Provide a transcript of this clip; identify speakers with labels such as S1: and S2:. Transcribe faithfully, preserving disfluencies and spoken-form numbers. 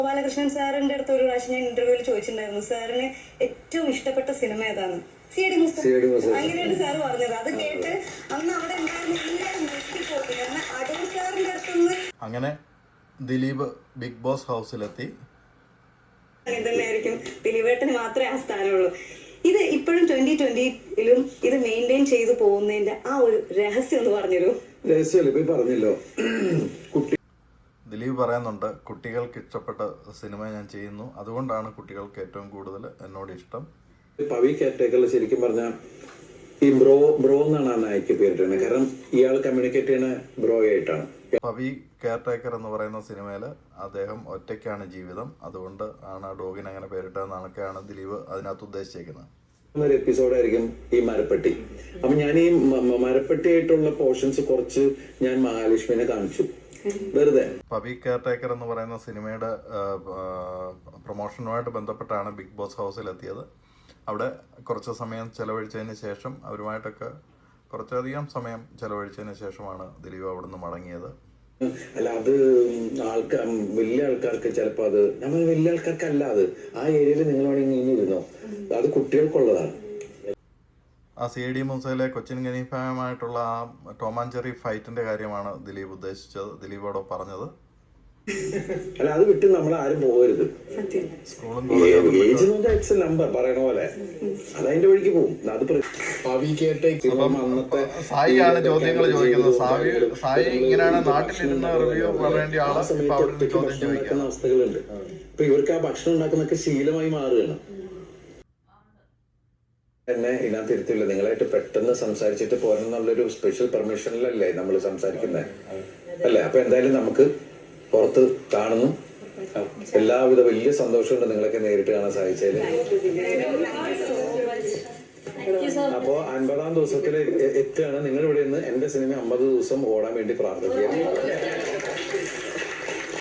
S1: ഗോപാലകൃഷ്ണൻ സാറിന്റെ അടുത്ത് ഒരു പ്രാവശ്യം ഞാൻ ഇന്റർവ്യൂവിൽ ചോദിച്ചിട്ടുണ്ടായിരുന്നു, സാറിന് ഏറ്റവും ഇഷ്ടപ്പെട്ട സിനിമ ഏതാണ്? C D Mustafa. അങ്ങനെയാണ് സാറ് പറഞ്ഞത്. അത് കേട്ട് അന്ന് അവിടെ ഉണ്ടായിരുന്ന എല്ലാവരും ഞെട്ടിപ്പോയി. കാരണം അടൂർ സാറിന്റെ അടുത്തുനിന്ന്
S2: അങ്ങനെ ദിലീപ് ബിഗ് ബോസ് ഹൗസിലെത്തി.
S1: അങ്ങനെ തന്നെയായിരിക്കും, ദിലീപേട്ടന് മാത്രമേ ആ സ്ഥാനമുള്ളൂ. ഇത് ഇപ്പോഴും ട്വന്റി ട്വന്റിയിലും ഇത് മെയിൻറ്റെയിൻ ചെയ്തു പോകുന്നതിന്റെ ആ ഒരു രഹസ്യം ഒന്ന് പറഞ്ഞുതരൂ.
S3: രഹസ്യമല്ലേ പറഞ്ഞല്ലോ.
S2: ദിലീപ് പറയുന്നുണ്ട്, കുട്ടികൾക്ക് ഇഷ്ടപ്പെട്ട സിനിമ ഞാൻ ചെയ്യുന്നു, അതുകൊണ്ടാണ് കുട്ടികൾക്ക് ഏറ്റവും കൂടുതൽ എന്നോട് ഇഷ്ടം.
S3: പവി കെയർടേക്കറിൽ ശരിക്കും പറഞ്ഞാൽ ഈ ബ്രോ ബ്രോ എന്നാണ് ആ നായിക്ക് പേരിട്ടത്. കാരണം ഇയാൾ കമ്മ്യൂണിക്കേറ്റ് ചെയ്യുന്ന ബ്രോ ആയിട്ടാണ്.
S2: പവി കെയർടേക്കർ എന്ന് പറയുന്ന സിനിമയിൽ അദ്ദേഹം ഒറ്റയ്ക്കാണ് ജീവിതം, അതുകൊണ്ട് ആണ് ആ ഡോഗിന് അങ്ങനെ പേരിട്ടതെന്നൊക്കെയാണ് ദിലീപ് അതിനകത്ത് ഉദ്ദേശിച്ചേക്കുന്നത്.
S3: ഒരു എപ്പിസോഡായിരിക്കും ഈ മരപ്പെട്ടി. അപ്പൊ ഞാൻ ഈ മരപ്പെട്ടി ആയിട്ടുള്ള പോർഷൻസ് കുറച്ച് ഞാൻ മഹാലക്ഷ്മിനെ കാണിച്ചു വെറുതെ.
S2: പവി കെയർടേക്കർ എന്ന് പറയുന്ന സിനിമയുടെ പ്രൊമോഷനുമായിട്ട് ബന്ധപ്പെട്ടാണ് ബിഗ് ബോസ് ഹൗസിലെത്തിയത്. അവിടെ കുറച്ച് സമയം ചെലവഴിച്ചതിന് ശേഷം അവരുമായിട്ടൊക്കെ കുറച്ചധികം സമയം ചെലവഴിച്ചതിന് ശേഷമാണ് ദിലീപ് അവിടെ നിന്ന് മടങ്ങിയത്.
S3: അല്ല, അത് ആൾക്കാർ വലിയ ആൾക്കാർക്ക് ചിലപ്പോൾ അത് നമ്മൾ വലിയ ആൾക്കാർക്കല്ല, അത് ആ ഏരിയയിൽ നിങ്ങൾ വേണമെങ്കിൽ ഇങ്ങനെ ഇരുന്നോ, അത് കുട്ടികൾക്കുള്ളതാണ്.
S2: ആ സി ഡി മൂസയിലെ കൊച്ചിൻ ഗനീഫായുമായിട്ടുള്ള ആ ടോം ആൻഡ് ജെറി ഫൈറ്റിന്റെ കാര്യമാണ് ദിലീപ് ഉദ്ദേശിച്ചത്, ദിലീപ് അവിടെ പറഞ്ഞത്.
S3: അല്ല, അത് വിട്ട് നമ്മൾ ആരും പോകരുത്.
S2: സ്കൂളും
S3: ഏജ് നമ്പർ പറയണ പോലെ അതതിന്റെ വഴിക്ക് പോകും. അത്
S2: സായിയാണ് ചോദ്യങ്ങൾ ചോദിക്കുന്നത്. സായി സായി ഇങ്ങനെയാണ് നാട്ടിലിരുന്ന് റിവ്യൂ പറയേണ്ട ആള് ചോദ്യം ചോദിക്കുന്ന
S3: അവസ്ഥകളുണ്ട്. ഇപ്പൊ ഇവർക്ക് ആ ഭക്ഷണം ഉണ്ടാക്കുന്നൊക്കെ ശീലമായി മാറുകയാണ്. എന്നെ ഇതിനകത്ത് ഇരുത്തില്ല, നിങ്ങളായിട്ട് പെട്ടെന്ന് സംസാരിച്ചിട്ട് പോരെന്നുള്ളൊരു സ്പെഷ്യൽ പെർമിഷനിലല്ലേ നമ്മൾ സംസാരിക്കുന്നത് അല്ലേ? അപ്പൊ എന്തായാലും നമുക്ക് പുറത്ത് കാണുന്നു. എല്ലാവിധ വലിയ സന്തോഷമുണ്ട് നിങ്ങളൊക്കെ നേരിട്ട് കാണാൻ സാധിച്ചതിൽ. അപ്പോ അൻപതാം ദിവസത്തിൽ എത്തുകയാണ്. നിങ്ങൾ ഇവിടെ നിന്ന് എന്റെ സിനിമ അമ്പത് ദിവസം ഓടാൻ വേണ്ടി പ്രാർത്ഥിക്കുക.